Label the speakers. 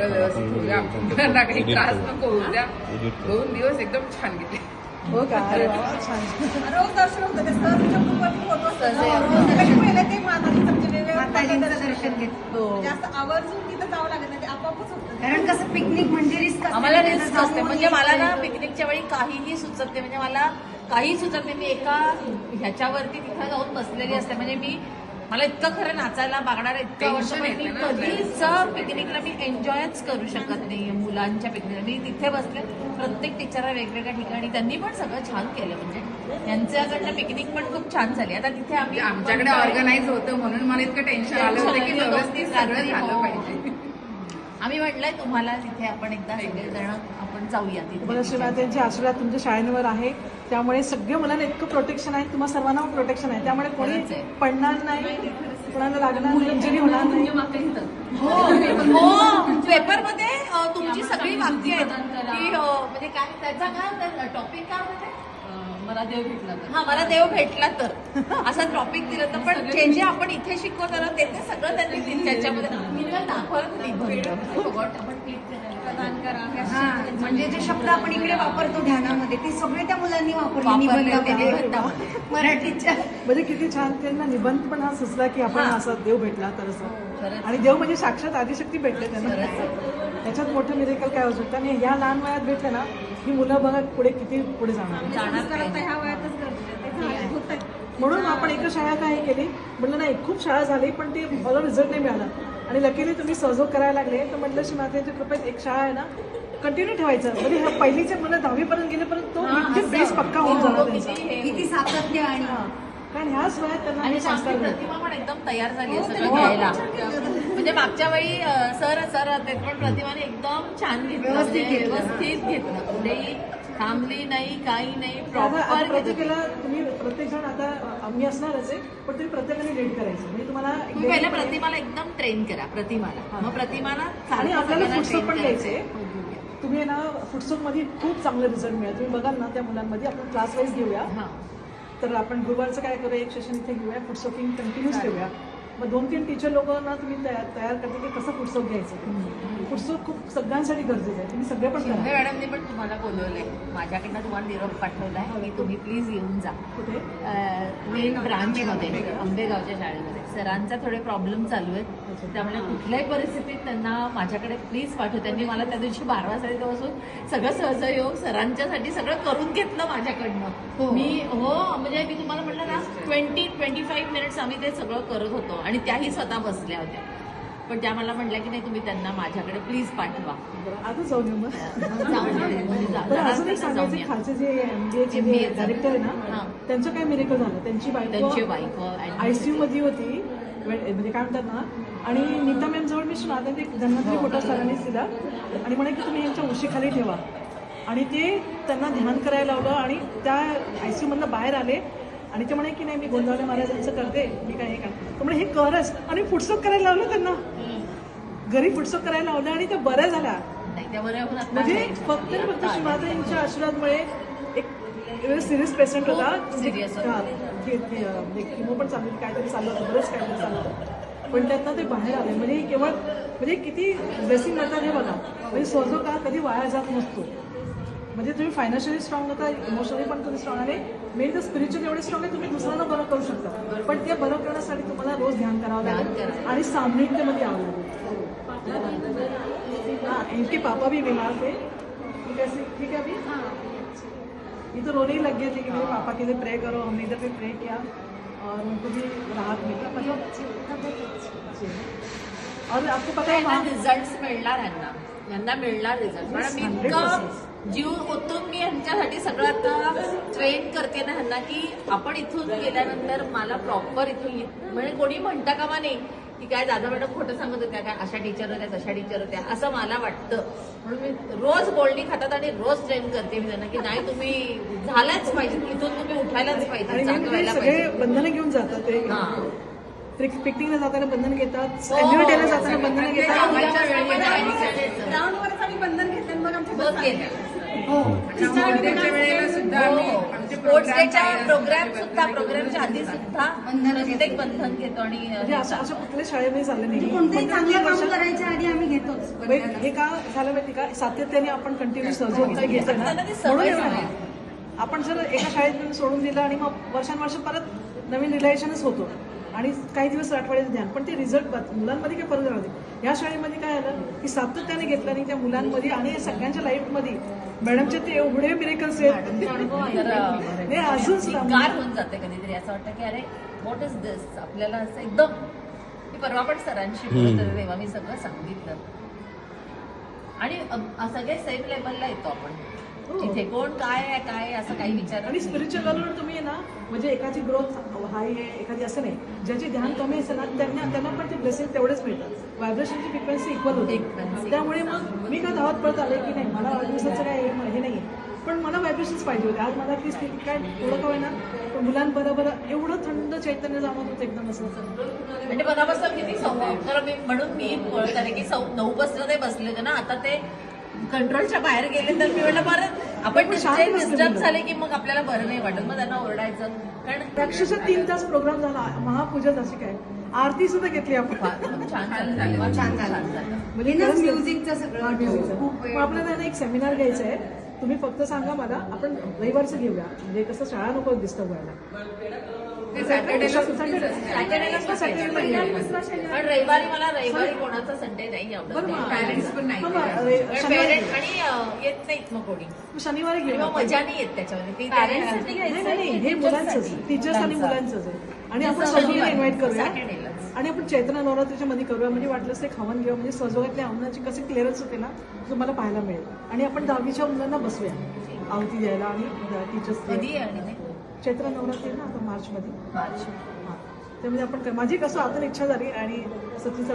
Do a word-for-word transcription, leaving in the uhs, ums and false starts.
Speaker 1: सगळं व्यवस्थित होऊ द्या, मुलांना काही त्रास नको होऊ द्या. दोन दिवस एकदम छान गेले.
Speaker 2: हो का? अरे वा, छान.
Speaker 3: रोज दर्शन होतं ते सहलीच्या ग्रुपवरती फोटो असतात. ते माताजीचं दर्शन घेतो. जास्त आवर्जून तिथं जावं लागत नाही, ते आपोआपच होतं.
Speaker 4: कारण कसं पिकनिक म्हणजे रिस्क
Speaker 5: आम्हाला रिस्क असते. म्हणजे मला ना पिकनिकच्या वेळी काहीही सुचत नाही. म्हणजे मला काही सुचत नाही. मी एका ह्याच्यावरती तिथं जाऊन बसलेली असते. म्हणजे मी मला इतकं खरं नाचायला मागणार इतकं वर्ष पण मी कधीच पिकनिकला मी एन्जॉयच करू शकत नाही. मुलांच्या पिकनिकला मी तिथे बसले, प्रत्येक टीचरला वेगवेगळ्या ठिकाणी त्यांनी पण सगळं छान केलं. म्हणजे यांच्याकडनं पिकनिक पण खूप छान झाली. आता तिथे आम्ही
Speaker 1: आमच्याकडे ऑर्गनाईज होतं म्हणून मला इतकं टेन्शन आलं होतं की व्यवस्थित सगळं झालं पाहिजे.
Speaker 5: आम्ही म्हटलंय तुम्हाला तिथे आपण एकदा सगळेजण आपण जाऊया तिथे.
Speaker 2: तुम्हाला शिवरात्रीचे आशीर्वाद तुमच्या शाळेवर आहे, त्यामुळे सगळ्या मुलांना इतकं प्रोटेक्शन आहे, तुम्हाला सर्वांना प्रोटेक्शन आहे, त्यामुळे कोणी पडणार नाही, कोणाला लागणार नाही, इंजुरी होणार नाही.
Speaker 5: हो, पेपरमध्ये तुमची सगळी वाक्य आहेत की म्हणजे काय त्याचा काय टॉपिक काय होते,
Speaker 3: मला देव भेटला तर.
Speaker 5: हा मला देव भेटला तर असा टॉपिक दिलं तर. पण जे जे आपण इथे शिकवतो ना ते ते सगळं त्यांनी त्याच्यामध्ये मी दाखवत निबंध आपण क्लिक
Speaker 3: प्रदान करा.
Speaker 4: हा, म्हणजे जे शब्द आपण इकडे वापरतो ध्यानामध्ये ते सगळे त्या मुलांनी वापरले
Speaker 5: वापरले
Speaker 4: निबंधामध्ये.
Speaker 5: निबंधामध्ये.
Speaker 4: मराठीच्या
Speaker 2: म्हणजे किती छान त्यांना निबंध पण हा सुचला की आपण
Speaker 5: हा.
Speaker 2: असं देव भेटला तर असं.
Speaker 5: खरंच.
Speaker 2: आणि देव म्हणजे साक्षात आदिशक्ती भेटले त्यांना. त्याच्यात मोठं मिरेकल काय होऊ शकतं. आणि ह्या लहान वयात भेटलं ना ही मुलं बघा पुढे किती पुढे जाणार.
Speaker 5: जाणार
Speaker 3: करता ह्या वयातच गरजेचं होतं.
Speaker 2: म्हणून आपण एका शाळा काय केली म्हटलं नाही, खूप शाळा झाली पण ते मला रिझल्ट नाही मिळाला. आणि लकीली तुम्ही सहयोग करायला लागले तर म्हटलं श्री मातेच्या कृपेत एक शाळा आहे ना कंटिन्यू ठेवायचं. म्हणजे ह्या पहिलीच्या मुलं दहावी पर्यंत गेल्यापर्यंत तो बेस पक्का होऊन जाणार त्यांचा.
Speaker 4: किती सातत्य आणि
Speaker 2: कारण ह्याच वयात त्यांना
Speaker 5: आणि
Speaker 2: हे
Speaker 5: आमची
Speaker 2: संस्कार मिळतात.
Speaker 5: प्रतिमा पण एकदम तयार झाली आहे सगळं घ्यायला. म्हणजे मागच्या वेळी अं, सर सर होते पण प्रतिमाने एकदम छान घेतलं. म्हणजे व्यवस्थित घेतलं, कुठेही थांबली नाही, काही नाही,
Speaker 2: आता आता
Speaker 5: प्रॉपर.
Speaker 2: प्रत्येकाला तुम्ही प्रत्येक जण आता आम्ही असणारच आहे पण तुम्ही प्रत्येकाने लीड करायचं. म्हणजे तुम्हाला
Speaker 5: तुम्ही पहिल्या प्रतिमाला एकदम ट्रेन करा प्रतिमाला, मग प्रतिमाला
Speaker 2: आणि
Speaker 5: सारखं
Speaker 2: आपल्याला
Speaker 5: सगळ्यांना
Speaker 2: फुटसोक
Speaker 5: train
Speaker 2: पण
Speaker 5: करायचं.
Speaker 2: घ्यायचे. तुम्ही ना फुटसोक मध्ये खूप चांगले रिझल्ट मिळेल. तुम्ही बघाल ना त्या मुलांमध्ये आपण क्लास वाईज घेऊया.
Speaker 5: हा.
Speaker 2: तर आपण गुरुवारचं काय करूया, एक सेशन इथे घेऊया, फुटसोकिंग कंटिन्यूस ठेवूया. मग दोन तीन टीचर लोकांना तुम्ही तयार तयार करते की कसं फुटसोक घ्यायचं. फुटसोक खूप सगळ्यांसाठी गरजेचं आहे. तुम्ही सगळे पण
Speaker 5: शिंदे
Speaker 2: करा.
Speaker 5: मॅडमने पण तुम्हाला बोलवलंय, माझ्याकडनं तुम्हाला निरोप पाठवलाय की तुम्ही प्लीज येऊन जा
Speaker 2: कुठे
Speaker 5: मेन ब्रांचमध्ये आंबेगावच्या शाळेमध्ये. सरांचा थोडे प्रॉब्लेम चालू आहेत, त्यामुळे कुठल्याही परिस्थितीत त्यांना माझ्याकडे प्लीज पाठव. त्यांनी मला त्या दिवशी बारा वाजता बसून सगळं सहजयोग सरांच्यासाठी सगळं करून घेतलं माझ्याकडनं. मी हो म्हणजे मी तुम्हाला म्हटलं ना ट्वेंटी ट्वेंटी फाईव्ह मिनिट्स आम्ही ते सगळं करत होतो आणि त्याही स्वतः बसल्या होत्या. पण त्या मला म्हटल्या की नाही तुम्ही त्यांना माझ्याकडे प्लीज पाठवा.
Speaker 2: आता जाऊन येऊ मग.
Speaker 5: जाऊन ये, म्हणजे जा-
Speaker 2: तर अजून एक
Speaker 5: जाऊन
Speaker 2: सांगायचं,
Speaker 5: या.
Speaker 2: खालचे जे एमबीएचे
Speaker 5: M B A चं.
Speaker 2: डायरेक्टर आहे
Speaker 5: हा.
Speaker 2: ना त्यांचं काय मिरेकल झालं. त्यांची
Speaker 5: त्यांची
Speaker 2: बायको
Speaker 5: बायको
Speaker 2: आयसीयू मध्ये होती, म्हणजे काय म्हणतात ना. आणि नीता मॅम जवळ मी सुना त्यांनी धन्वंतरी फोटो सरांनीच दिला आणि म्हणे की तुम्ही यांच्या उशीखाली ठेवा. आणि ते त्यांना ध्यान करायला लावलं आणि त्या आयसीयू मधनं बाहेर आले आणि ते म्हणे की नाही मी गोंधळले महाराजांचं करते, मी काय हे करते. तर म्हणे हे करच. आणि फुटसोक करायला लावलं त्यांना, घरी फुटसोक करायला लावलं आणि त्या बऱ्या झाल्या.
Speaker 5: नाही त्या बरोबर आता
Speaker 2: म्हणजे
Speaker 5: नाही.
Speaker 2: फक्त आणि फक्त शिवाजींच्या आशीर्वादमुळे एक सिरियस पेशंट होता.
Speaker 5: serious होता.
Speaker 2: हा, की- की, अं, म्हणजे किमो पण चालू होती, काहीतरी चाललं होतं, बरंच काहीतरी चाललं होतं. पण त्यातनं ते बाहेर आले. म्हणजे केवळ म्हणजे किती ब्लेसिंग मिळतात हे बघा. म्हणजे सोजो का कधी वाया जात नसतो. म्हणजे तुम्ही फायनान्शियली स्ट्रॉंग होता, इमोशनली पण तुम्ही स्ट्रॉंग आहे. मेन तर स्पिरिच्युअली एवढे स्ट्रॉंग आहे तुम्ही दुसऱ्यांना बरं करू शकता. पण ते बरं करण्यासाठी तुम्हाला रोज ध्यान करावं लागेल आणि सामूहिकतेमध्ये यावं लागेल. हाँ, इनके पापा भी बीमार थे. ठीक है ठीक है अभी ये तो रोने ही लग गए थे कि मेरे पापा के लिए प्रे करो. हमने इधर पे प्रे किया और उनको भी राहत मिला. मतलब और आपको पता है वहाँ
Speaker 5: रिझल्ट मिळणार यांना यांना मिळणार रिझल्ट. मॅडम मी इतकं जीव ओतून मी यांच्यासाठी सगळं आता ट्रेन करते ना ह्यांना की आपण इथून गेल्यानंतर मला प्रॉपर इथून म्हणजे कोणी म्हणता कामा नाही की काय दादा मॅडम खोटं सांगत होत्या काय, अशा टीचर होत्या तशा टीचर होत्या असं मला वाटतं. म्हणून मी रोज बोलणी खातात आणि रोज ट्रेन करते मी त्यांना की नाही तुम्ही झालाच पाहिजे, इथून तुम्ही उठायलाच पाहिजे,
Speaker 2: आणि
Speaker 5: जागवायला
Speaker 2: सगळे
Speaker 5: पाहिजे.
Speaker 2: बंधनं घेऊन जातात ते.
Speaker 5: हा.
Speaker 2: पिकनिकला जाताना बंधन घेतात,
Speaker 5: हो,
Speaker 2: ऍक्टिव्हिटीला जाताना बंधन घेतात.
Speaker 3: ग्राउंडवरच आम्ही बंधन घेतलं मग आमच्या
Speaker 5: बघ गेल्या.
Speaker 2: हो
Speaker 1: च्या वेळेला सुद्धा आम्ही आमचे
Speaker 5: स्पोर्ट्स
Speaker 1: program
Speaker 5: डेच्या
Speaker 1: काही
Speaker 5: प्रोग्राम
Speaker 1: असतील,
Speaker 5: सुद्धा
Speaker 1: वेगवेगळे
Speaker 5: प्रोग्रामच्या आधी
Speaker 1: बंधन
Speaker 5: सुद्धा
Speaker 4: बंधनं
Speaker 5: प्रत्येक
Speaker 4: घेतो.
Speaker 5: बंधन घेतो आणि
Speaker 2: म्हणजे असं असं कुठल्याही शाळेमध्ये झालं नाही
Speaker 4: कोणतंही
Speaker 2: पण
Speaker 4: चांगलं
Speaker 2: तीन
Speaker 4: काम
Speaker 2: वर्षात-
Speaker 4: करायच्या आधी आम्ही घेतोच
Speaker 2: म्हणजे हे का झालं माहिती का सातत्याने आपण कंटिन्यू सहयोग काय घेतोय ना
Speaker 5: त्यांना ती
Speaker 2: म्हणून
Speaker 5: सवय
Speaker 2: एवढं
Speaker 5: झाली.
Speaker 2: आहे. आपण जर एका शाळेत सोडून दिलं आणि मग वर्षानुवर्ष परत नवीन रिलेशनच होतो आणि काही दिवस आठवड्याचं ध्यान पण ते रिझल्ट मुलांमध्ये काय फरक राहते. या शाळेमध्ये काय आलं की सातत्याने घेतलं आणि त्या मुलांमध्ये आणि सगळ्यांच्या लाईफमध्ये मॅडमचे ते एवढे मिरेकल्स आहेत
Speaker 5: तर
Speaker 2: नाही अजून
Speaker 5: गार होऊन जाते कधीतरी असं वाटतं की अरे व्हॉट इज दिस आपल्याला असं एकदम मी परवा पण सरांशी बोलत होते तेव्हा मी सगळं सांगितलं आणि अ- सगळे सेम लेवलला येतो आपण
Speaker 2: हो.
Speaker 5: जिथे कोण काय आहे काय आहे असं काही विचार
Speaker 2: आणि स्पिरिच्युअल लेवलवर तुम्ही आहे ना म्हणजे एकाची ग्रोथ हाय आहे एखादी असं नाही ज्याचे ध्यान कमी असेल ना त्यांना त्यांना पण ते ब्लेसिंग तेवढेच मिळतात व्हायब्रेशनची फ्रिक्वेन्सी इक्वल होते
Speaker 5: Frequency.
Speaker 2: त्यामुळे मग मी का धावत पडत आले की नाही मला वाढदिवसाचं काय हे हे नाही पण मला व्हायब्रेशन्स पाहिजे होते आज मला ती स्थिती काय थोडं का होईना पण मुलांबरोबर एवढं थंड चैतन्य जाणवत होतं एकदम असं
Speaker 5: म्हणजे मनापासून किती संवाद तर मी म्हणून मी बोलत आहे की सौ नऊ वाजता ते बसले होते ना आता ते कंट्रोलच्या बाहेर गेले तर मी म्हटलं बरं आपण
Speaker 2: पण शांत बसले
Speaker 5: डिस्टर्ब
Speaker 2: मुलं.
Speaker 5: झाले की मग आपल्याला बरं नाही वाटत मग त्यांना ओरडायचं कारण
Speaker 2: अक्षरशः तीन तास प्रोग्राम झाला महापूजा जशी काय आरती सुद्धा घेतली आपण
Speaker 5: छान झालं
Speaker 4: छान झालं.
Speaker 2: म्हणजे
Speaker 4: हे ना
Speaker 2: खरंच
Speaker 4: म्युझिकचं
Speaker 2: हा,
Speaker 4: सगळं
Speaker 2: म्युझिकचं.
Speaker 4: खूप वेळ
Speaker 2: मग आपल्याला ना एक सेमिनार घ्यायचं आहे तुम्ही फक्त सांगा मला आपण रविवारचं घेऊया म्हणजे कसं शाळा नको डिस्टर्ब व्हायला
Speaker 1: ते सॅटर्डेला सुट्टीच
Speaker 2: सॅटर्डे-
Speaker 1: असते.
Speaker 5: सॅटर्डेला
Speaker 2: हा, सॅटर्डेला घेऊया.
Speaker 5: पण रविवारी मला रविवारी कोणाचा संडे नाही आवडत
Speaker 2: बरं मग
Speaker 1: Parents पण नाही.
Speaker 2: मग रे-
Speaker 5: पण
Speaker 2: शनिवारी
Speaker 5: parent आणि अं, येत नाहीत मग कोणी
Speaker 2: मग शनिवारी
Speaker 5: आणि
Speaker 2: घेऊया
Speaker 5: मग मजा नाही येत त्याच्यामध्ये ती
Speaker 3: Parentsसाठी
Speaker 2: नाही नाही नाही, हे मुलांचंच टीचर्स आणि मुलांचंच आहे आणि आपण
Speaker 5: मुलांचं.
Speaker 2: सगळ्यांना इन्व्हाइट करूया
Speaker 5: सॅटर्डेलाच.
Speaker 2: आणि आपण चैत्र नवरात्रीच्या मध्ये करूया म्हणजे वाटलं ते खावण घेऊया म्हणजे सजवण्यातल्या अंगणाची कशी क्लिअरन्स होते ना तुम्हाला पाहायला मिळेल आणि आपण दहावीच्या मुलांना बसूया आहुती द्यायला आणि टीचर्स
Speaker 5: कधी आहे आणि ते?
Speaker 2: चैत्र नवरात्री आहे ना आता मार्च मध्ये
Speaker 5: मार्च
Speaker 2: हा त्यामध्ये आपण काय- माझी कसं आता इच्छा झाली आणि सतीचा